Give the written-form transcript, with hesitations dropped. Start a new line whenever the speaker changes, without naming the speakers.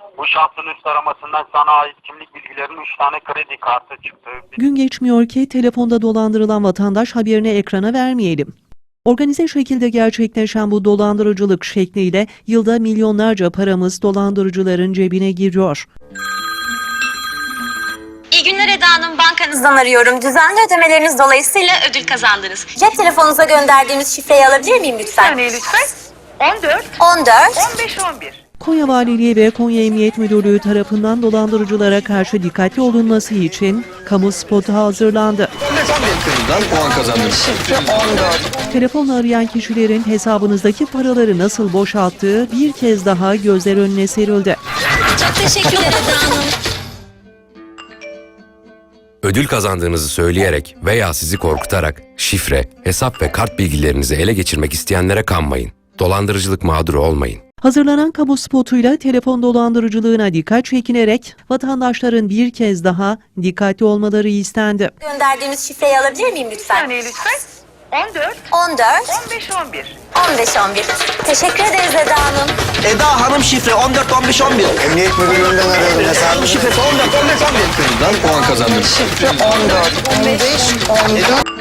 Bu şahsın üst aramasından sana ait kimlik bilgilerinin 3 tane kredi kartı çıktı.
Gün geçmiyor ki telefonda dolandırılan vatandaş haberini ekrana vermeyelim. Organize şekilde gerçekleşen bu dolandırıcılık şekliyle yılda milyonlarca paramız dolandırıcıların cebine giriyor.
İyi günler Eda Hanım, bankanızdan arıyorum. Düzenli ödemeleriniz dolayısıyla ödül kazandınız. Cep telefonunuza gönderdiğimiz şifreyi alabilir miyim lütfen?
saniye lütfen. 14,
14.
15, 11.
Konya Valiliği ve Konya Emniyet Müdürlüğü tarafından dolandırıcılara karşı dikkatli olunması için kamu spotu hazırlandı.
Puan kazandınız.
Telefonla arayan kişilerin hesabınızdaki paraları nasıl boşalttığı bir kez daha gözler önüne serildi.
Çok teşekkürler Eda Hanım.
Ödül kazandığınızı söyleyerek veya sizi korkutarak şifre, hesap ve kart bilgilerinizi ele geçirmek isteyenlere kanmayın. Dolandırıcılık mağduru olmayın.
Hazırlanan kamu spotuyla telefon dolandırıcılığına dikkat çekinerek vatandaşların bir kez daha dikkatli olmaları istendi.
Gönderdiğimiz şifreyi alabilir miyim lütfen?
Saniye lütfen. 14,
14.
15, 11.
15, 11. Teşekkür ederiz Eda Hanım.
Eda Hanım şifre 14 15 11.
Emniyet müdürlüğünden arıyorum hesabı.
Şifresi 14 15 11.
Puan kazandınız.
Şifre 14 15 11.